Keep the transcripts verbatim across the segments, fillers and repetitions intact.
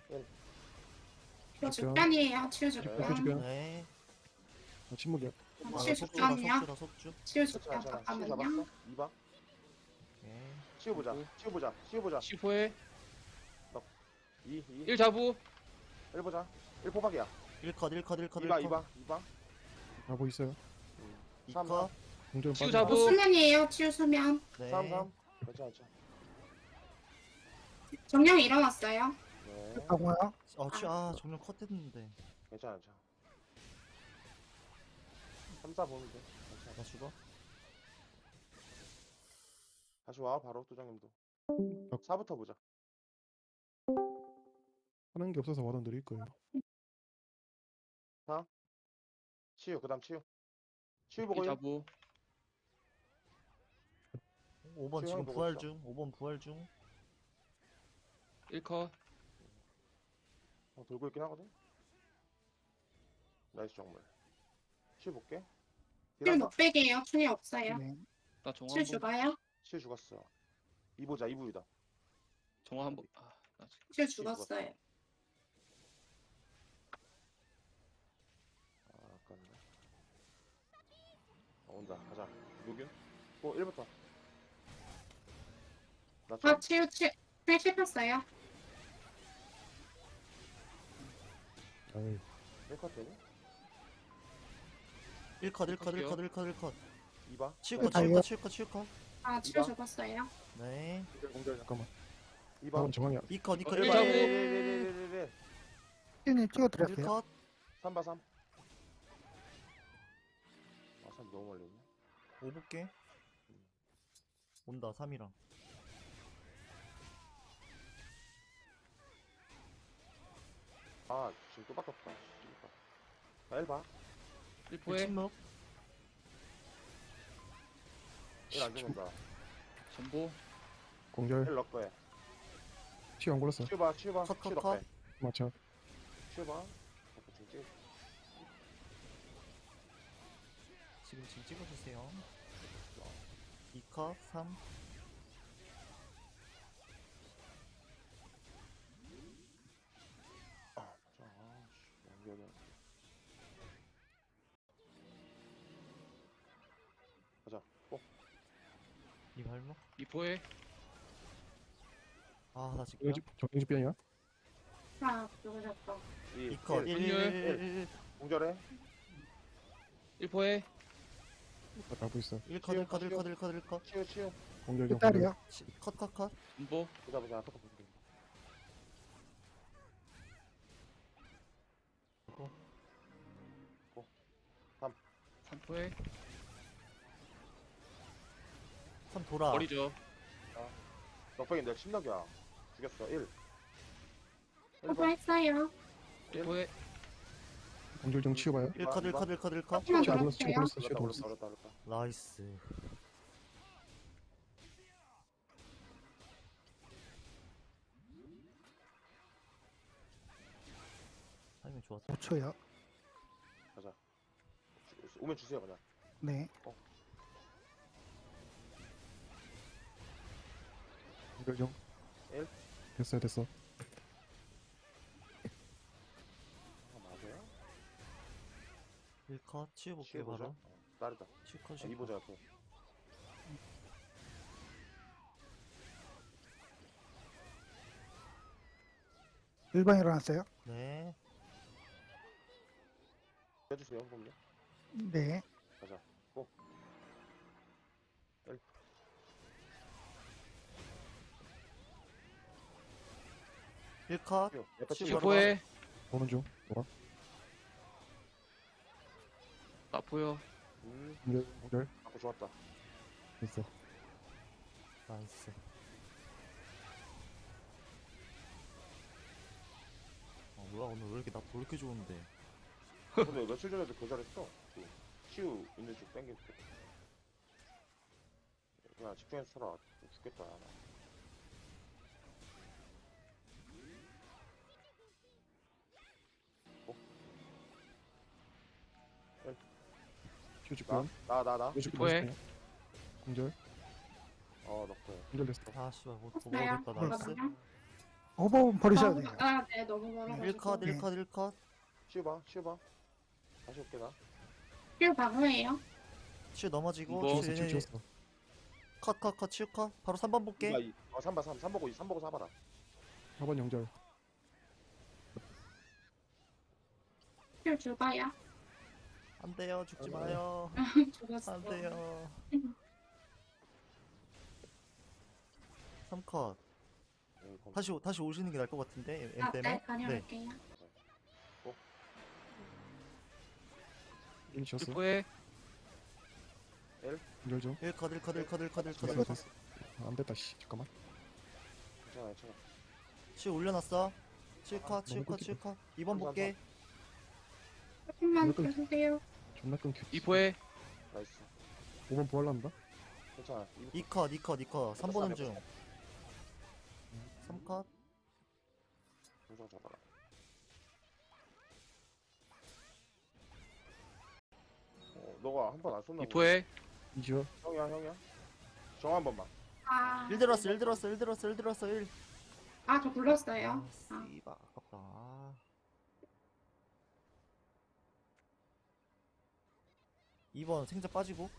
이거 죽변이에요. 치유 네. 죽변. 죽변. 네. 아, 침묵이야. 아, 치유 속주다, 죽변이요. 속주다, 속주. 치유 자, 죽변 자, 치유 잠깐만요. 잡았어. 이 번. 오케이. 치유 보자. 치유 보자. 치유 보자. 십 호에 이, 이. 일 자부. 일 보자. 일 포박이야. 일 컷, 일 컷, 일 컷, 이 일 방, 이 컷. 방, 이 방. 뭐 음. 어, 이 이 삼, 컷. 삼. 치유 공전 빠져. 잡고. 어, 수면이에요. 치유 수면. 네. 삼, 삼. 괜찮아, 괜찮아. 정령 일어났어요. 네. 하고요. 어, 취, 아, 정면 컷 됐는데. 괜찮아, 괜찮아. 삼, 사 보면 돼. 괜찮아. 나 죽어? 다시 와, 바로, 도장님도. 어. 사부터 보자. 하는 게 없어서 와던 드릴 거예요. 치유, 그 다음 치유. 치유 보고 일 일. 자부. 오 번 지금 지금 보고 부활 있어. 중. 오 번 부활 중. 일 컷. 어, 돌고 있긴 하거든. 나이스 정말. 치유 볼게. 치유 넉백이에요. 충이 없어요. 네. 나 정화 치유 한번. 죽어요. 치유 죽었어. 이 보자, 이 부위다. 정화 한번. 아, 나 지금. 치유 죽었어요. 아, 아깝네. 어, 온다. 가자. 누균? 어, 일부터. 나 좀. 아, 치유, 치유. 충이 씹혔어요. 아이, 일 컷 되니? 일 컷, 일 컷, 일 컷, 일 컷, 일 컷. 이 봐. 칠 컷, 칠 달려. 컷, 칠 컷, 칠 컷. 아, 치유 이봐. 죽었어요. 네. 공절, 공절. 잠깐만. 이 봐. 다음 정황이 이 컷, 이 컷, 어, 일 일 컷. 자부. 일 님 찍어 일 드렸어요. 컷. 삼 봐, 삼. 아, 삼 너무 멀리 있네. 오 볼게. 온다, 삼이랑. 아, 지금 또 바꿨다. 나 일 봐. 일 포에 침묵. 일 안 죽는다. 전보. 공절 일 넣을 거야. 치유 안 걸렸어. 치유 봐, 치유 봐. 컷, 치유 컷, 넣을 컷. 거야. 맞춰. 치유 봐. 오케이, 지금 찍. 지금, 지금 찍어주세요. 이 컷, 삼. 아, 맞아. 아, 씨. 연결이 안 돼. 가자. 꼭. 이 발목. 이 포에 아, 나 지금. 정영집, 정영집 변이야? 아, 죽으셨다. 이, 이 컷, 일, 일, 일, 일, 일. 공절해. 일 포에 가고 있어. 일 컷, 일 컷, 일 컷, 일 컷, 일 컷. 치유, 치유. 공절 좀. 딸이요. 치- 컷, 컷, 컷. 전보. 보자, 보자. 아까 보자. 삼 포에 삼 돌아. 버리죠. 넉백인데 침묵이야. 죽였어. 일. 일 오버 번. 했어요. 일 포에 공절 좀 치워봐요. 일 컷, 일 컷, 일 컷, 일 컷. 치유 치유 안 걸렸어. 치유 걸었어요. 걸렸어. 치유 어렵다, 걸렸어. 어렵다, 어렵다, 어렵다. 나이스. 타이밍 좋았다. 오 초요. 가자. 주- 오면 주세요, 그냥. 네. 공절 좀. 일. 됐어요, 됐어. 아, 맞아요? 일 컷, 치워볼게, 치유 보자. 바로. 어, 다르다. 칠 컷, 아, 칠 이 컷. 보자, 또. 일 번 일어났어요. 네. 해주세요, 보면. 네. 가자. 고. 일. 일 컷. 치유. 옆에 치유 치유. 일 포에 보는 중. 뭐라? 나 포요. 음, 공절, 공절. 아까 좋았다. 됐어. 나이스. 아, 뭐야, 오늘 왜 이렇게 나 왜 이렇게 좋은데. 근데 며칠 전에도 거절했어. 그 치유 있는 쪽 땡길 때. 그냥 집중해서 쳐라. 죽겠다. 나. 치유 직변. 나, 나, 나, 나. 치유 직변 뭐해? 됐어요. 공절. 어, 넣고. 공절 됐어. 아, 씨발, 뭐, 뭐 했어요. 먹었다, 나이스. 이거든요. 오버 버리셔야 돼요. 아, 네, 너무 멀어가지고. 일 컷, 네. 일 컷, 일 컷. 치워봐, 치워봐. 다시 올게, 나. 실 방어예요. 치유 넘어지고. 이거. 치유 지웠어 얘네- 지웠어. 컷, 컷, 컷, 치유 컷. 바로 삼 번 볼게. 이봐, 이- 어, 삼 봐, 삼. 삼 보고, 삼 보고 사봐라. 사 번 영절. 실 죽어요. 안 돼요, 죽지 어. 마요. 죽었어. 안 돼요. 삼 컷. 응, 검- 다시, 오- 다시 오시는 게 나을 것 같은데, M 아, 때문에. 네, 다녀올게요. 일 지웠어. 슈퍼에 영절 좀. 일 컷, 일 컷, 일 컷, 일 컷, 일 컷, 됐어 일 컷. 됐어. 아, 안 됐다 씨. 잠깐만. 괜찮아, 괜찮아. 치유 올려놨어. 치유 컷, 치유 너무 컷, 끊기다. 치유 컷. 이 번 볼게. 조금만 이거 끊- 주세요. 존나 끊겨. 이포에 나이스. 오 번 부활난다. 괜찮아. 이- 이 컷, 이 컷, 이 컷. 삼 보는 됐어, 중. 삼 컷. 공정 잡아라. 어, 너가 한 번 안 쏜나 보네. 이포에 이지워. 형이야, 형이야. 정 한 번만. 아, 일 들었어, 일 들었어, 일 들었어, 일 들었어, 일. 아, 저 불렀어요. 아, 아, 씨발, 아깝다. 아. 이 번 생자 빠지고.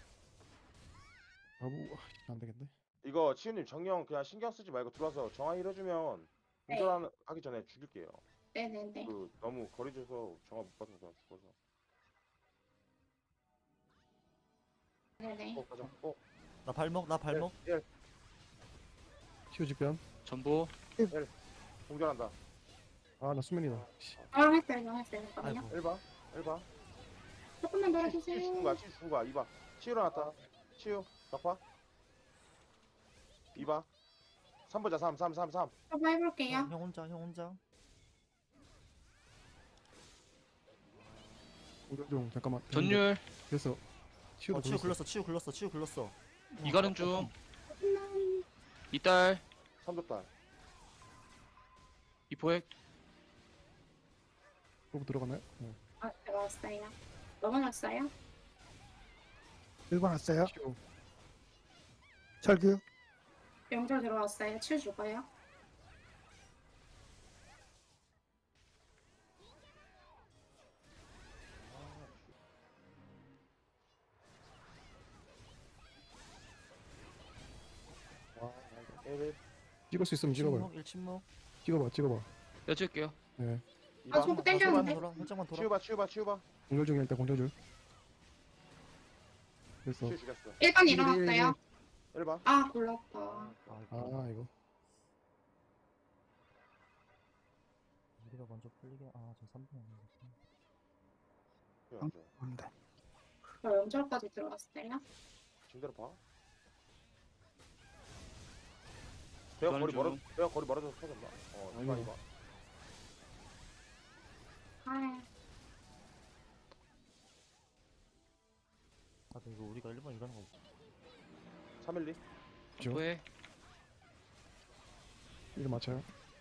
아부 아, 안 되겠네. 이거 치우님 정령 그냥 신경 쓰지 말고 들어와서 정화 힐해주면 네. 운전하기 전에 죽일게요. 네네네. 그 너무 거리 줘서 정화 못 받아서 그냥 죽어서. 네네. 어, 가자. 어, 나 발목, 나 발목. 일, 일. 치유 직변. 전보 공전한다. 아 나 수면이다. 씨. 정했어요, 정했어요. 잠깐만요. 아이고. 일 봐, 일 봐. 조금만 더 치유 죽은 해주세요. 거야, 치유 죽은 거야. 이 봐. 치유 일어났다. 치유, 덕화. 이 봐. 삼 보자, 삼, 삼, 삼, 삼. 한번 해볼게요. 형, 형 혼자, 형 혼자. 공격 중 잠깐만. 전율 됐어. 치유도 어, 치유 굴렀어. 굴렀어, 치유 굴렀어, 치유 굴렀어. 이가는 중 조금만. 이딸 삼 줬다. 이포에 그거 들어가나요? 어. 아, 들어왔어요. 넘어졌어요? 일 번 왔어요. 치유. 철규. 영절 들어왔어요. 칠 죽어요. 와, 일, 일. 찍을 수 있으면 찍어봐요. 침묵, 일 침묵. 찍어봐 찍어봐. 여쭐게요. 네. 이 아, 봐. 저거 살짝만 땡겼는데? 돌아, 살짝만 돌아. 치유 봐, 치유 봐, 치유 봐. 공격 중에 일단 공격 중. 됐어. 치유 죽였어. 일 번 일, 일, 일. 일어났어요. 일 봐. 아, 골랐다. 아이고. 아 이거. 우리가 먼저 풀리게. 아, 저 삼 분 아니겠지. 치유 안 줘. 네. 저 영절까지 들어왔어요. 지금대로 봐. 배가 이거는 거리 좀- 멀어, 배가 거리 멀어져서 터졌나? 어, 이봐, 아이고. 이봐. 아, 아, 근데 이거 우리가 일 번 일어나는 거. 삼, 일, 이. 그죠? 이포에 이거 맞춰요.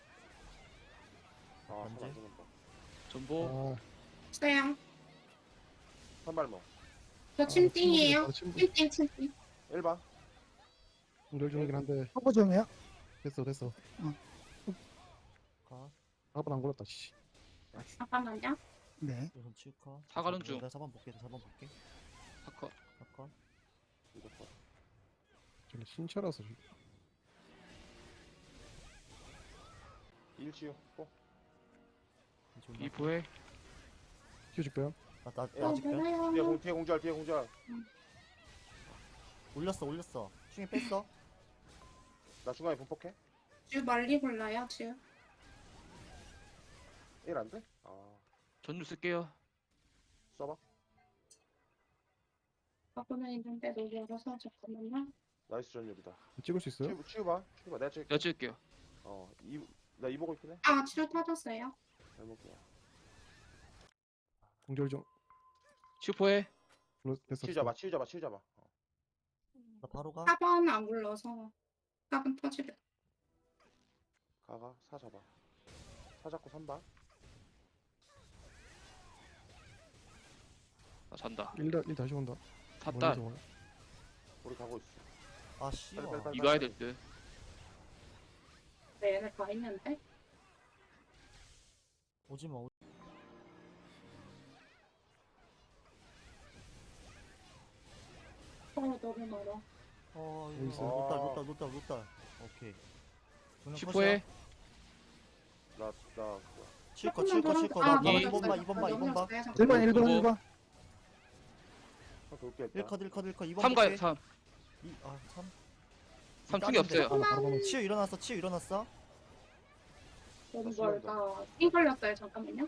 아, 언제? 손안 죽는다. 전보 아 있어요. 선발모. 저 침띵이에요. 침묵. 침띵, 침띵. 일 봐. 공격 중이긴 한데 허브 중이에요. 됐어 됐어. 가. 사 번 안 걸렸다. 씨. 잠깐만요. 네. 우선 치유 컷. 사과는 내가 중. 내가 사 번 볼게, 사 번 볼게. 사커 사 컷. 이거 봐. 저기 신차라서 일 치유. 어. 존나. 이포에 치유 직변. 나, 나, 예. 나 어, 아직 돼? 뒤에 몰라요. 공, 뒤에 공절, 뒤에 공절. 올렸어, 올렸어. 중에 뺐어. 나 중간에 분폭해. 주 멀리 골라요, 주. 일 안 돼? 아, 전율 쓸게요. 써봐. 바꾸는 있는데 너무 열어서 잠깐만요. 나이스 전율이다. 찍을 수 있어요? 치유, 치유 봐. 치유 봐. 내가 찍. 여쭐게요. 어, 이, 나 이 보고 있긴 해. 아, 치료 터졌어요. 잘 먹게. 공절 중. 슈퍼에 불러- 됐어. 치유 잡아, 치유 잡아, 치유 잡아. 어. 나 바로 가. 사 번 안 굴러서 사 번 터지래. 가가, 사 잡아. 사 잡고 삼 봐. 나 잔다. 일, 다- 일 다시 온다. 탑딸 멀리서 오네. 우리 가고 있어. 아, 씨. 빨리, 빨리, 빨리. 이거 해야 될 듯. 앞에 얘네 다 있는데? 오지마. 오... 어, 너무 멀어. 어 여기 이거 있어요. 노딸 아. 노딸 노딸 노딸. 오케이. 십 호에 나, 나, 칠거 조금만 칠거 더 칠거. 아, 나 이. 이번 봐 이번 봐 이번 봐. 일 번, 일 번, 오버. 일 번. 한 돌게 했다. 일 컷 일 컷 일 컷 이번 삼 가요 볼게. 삼. 이, 아 삼. 삼 축이 없어요. 바로 바로 가면 치유 일어났어 치유 일어났어. 너무 나 멀다. 띵 걸렸어요. 잠깐만요.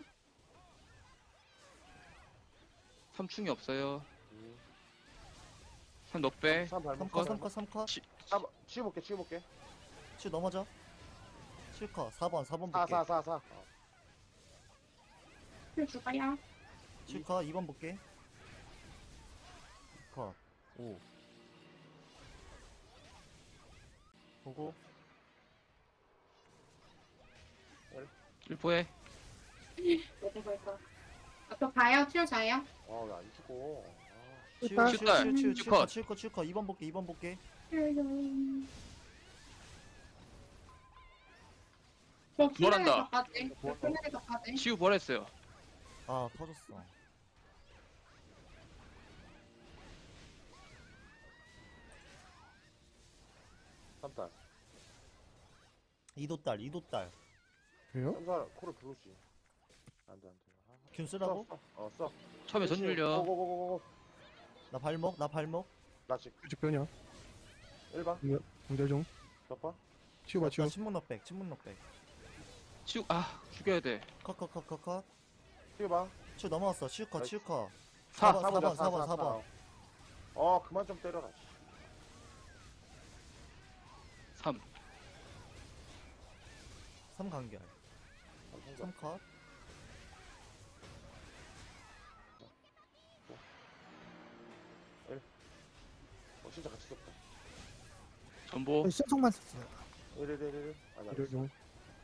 삼 충이 없어요. 음. 삼 넉배. 삼 발목. 삼 컷 삼 컷 삼 컷. 치- 삼, 치워볼게, 치워볼게. 치유 넘어져. 칠 컷 사 번 사 번 사, 볼게. 사, 사, 사. 어. 힐 줄까요? 칠 컷 이 번 볼게. 이 컷 오. 보고 일 호에 어디 갈까? 앞에 가요? 튀어 자요? 아, 왜 안 죽어. 아, 치유 일단- 치유 칠달, 치유 치유 칠 칠 컷. 컷 칠 컷 칠 컷 이 번 볼게 이 번 볼게. 저 뭐란다? 키네리더까지. 저 키네리더까지. 치유 버렸어요. 아 터졌어. 삼달. 이도딸 이도딸. 그래요? 삼달 코를 부르지. 안 돼, 안 돼. 아, 균 써, 쓰라고? 써. 어, 써. 처음에 전율려. 고고고고고. 나 발목 나 발목. 나 지금 규칙 변형. 일 번. 공절 중. 몇 번? 치우봐, 치우. 나 신문 넉백 신문 넉백. 치유 아 죽여야 돼. 컷 컷 컷 컷컷. 치워봐. 치유 넘어왔어 치유 컷 치유 컷. 사. 번, 사 번, 사 번, 사 번. 어, 그만 좀 때려라. 씨. 삼. 삼 간결. 아, 성격. 삼 컷. 어, 진짜 같이 썼다. 전보. 신속만 썼어요. 일, 일, 일, 일. 아, 나 일월 중.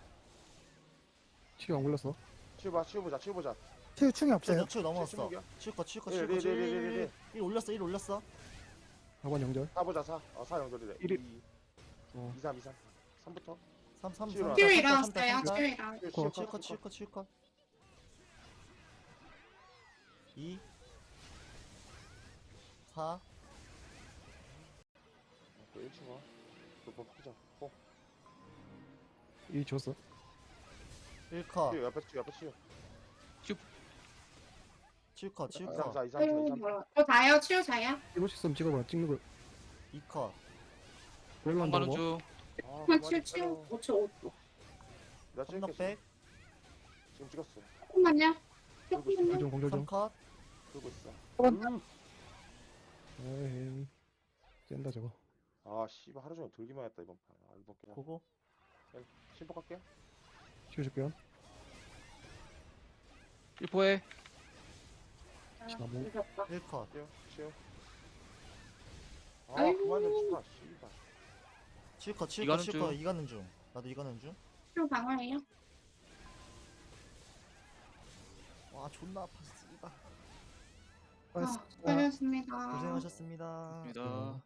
치유 안 걸렸어. 치워봐, 치워보자, 치워보자. 치유 충이 없어요. 치유 치유 넘어왔어. 칠십육이야? 치유 컷 치유 컷 일, 치유 컷 일, 치유 일, 일, 일, 일. 일 올렸어 일 올렸어. 사 번 영절. 사 보자, 사. 어, 사 연결이래. 일, 일. 이, 어. 이, 삼, 이, 삼. 삼부터. 삼 삼 치유 삼. 치유 삼, 일어났어요. 치유 일어났어요. 치유, 치유 치유 컷 컷, 치유 컷 치유 컷. 이. 사. 또 일 치워. 또뭐 바꾸자. 어, 이 줬어. 일 컷. 치유, 옆에 치유, 옆에 치유. 치유 컷 치유 이, 삼, 컷. 사, 이, 삼, 사, 이, 아이고 삼. 멀어. 저 자요? 치유 자요? 이거 시스템 찍어봐. 찍는 거. 이 컷. 웰만 한가는 더 중. 아, 한 그만 치유 좀 치유. 때려. 오 초 오 초. 나 삼 찍을게. 넉백. 지금 찍었어. 조금만요. 그리고 있어. 조금만요. 중 공절 삼 중. 컷. 그러고 있어. 번. 음. 에이. 센다 저거. 아, 씨발 하루 종일 들기만 했다 이번 판. 아, 이번 그냥 보고. 심복할게. 치유 줄게요. 일 호에 아, 지나고. 늦었다. 일 컷. 치유, 치유. 아, 아이고. 그만 좀 치마, 씨발. 치유 컷 치유 컷 이가는 치유 컷 중. 이가는 중. 나도 이가는 중. 치유 방어예요? 와 존나 아파 씨발. 아, 수고하셨습니다. 수고하셨습니다. 고생하셨습니다. 입니다.